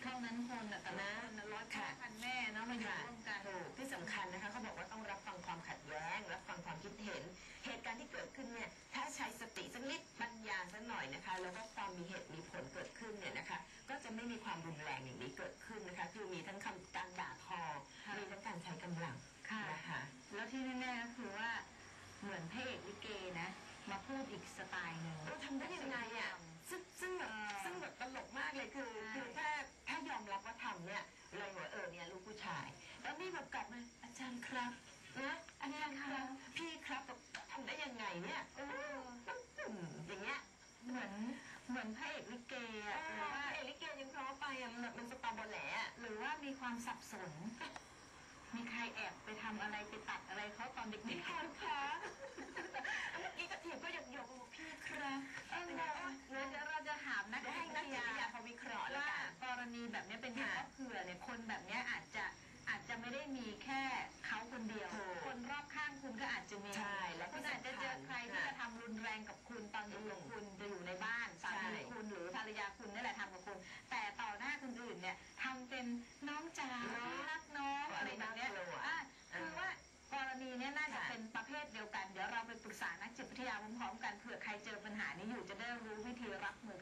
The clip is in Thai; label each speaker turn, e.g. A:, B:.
A: เท่านั้นคนแต่ละคนร้อยพ่อพันแม่เนาะมาอยู่ร่วมกัน
B: ที่สำคัญนะคะเขาบอกว่าต้องรับฟังความขัดแย้งรับฟังความคิดเห็นเหตุการณ์ที่เกิดขึ้นเนี่ยถ้าใช้สติสักนิดปัญญาสักหน่อยนะคะแล้วก็ความมีเหตุมีผลเกิดขึ้นเนี่ยนะคะก็จะไม่มีความรุนแรงอย่างนี้เกิดขึ้นนะคะคือมีทั้งการด่าทอมีทั้งการใช้กำลังนะคะ
A: แล้วที่แน่ๆก็คือว่าเหมือนพระเอกลิเกนะมาพูดอีกสไตล์หนึ่ง
B: ทำได้ยังไงอ่ะซึ่งแบบตลกมากเลยคือถ้ายอมรับว่าทำเนี่ยเลยว่าเนี่ยลูกผู้ชายแล้วนี่แบบกลับมาอาจารย์ครับนะอาจารย์ครับพี่ครับทำได้ยังไงเนี่ยอย่างเงี้ย
A: เหมือนพระเอกลิเกอ่ะหรือว่า
B: พระเอกลิเกยังเพราะไปอ่ะแบบมันสตาร์บอลแหล่
A: หรือว่ามีความสับสนมีใครแอบไปทำอะไรไปตัดอะไรเขาตอนเด็กๆ
B: คะเมื่อกี้กระถิ่นก็หยกบอกพี่ครับ
A: เราจะถามนักวิทยา
B: เขาวิเคราะห์
A: ว่ากรณีแบบนี้เป็นยังไงก็เผื่อเนี่ยคนแบบนี้อาจจะไม่ได้มีแค่เขาคนเดียวคนรอบข้างคุณก็อาจจะมีแล้วคุณอาจจะเจอใครที่จะทำรุนแรงกับคุณตอนอยู่กับคุณจะอยู่ในบ้านสามีคุณหรือภรรยาคุณนี่แหละทำกับคุณแต่ต่อหน้าคนอื่นเนี่ยทำเป็นน้องจ๋ารักน้องอะไรแบบนี้คือว่ากรณีนี้น่าจะเป็นประเภทเดียวกันเดี๋ยวเราไปปรึกษานักจิตวิทยาพร้อมๆกันเผื่อใครเจอปัญหานี้อยู่จะได้รู้วิธีรับมือ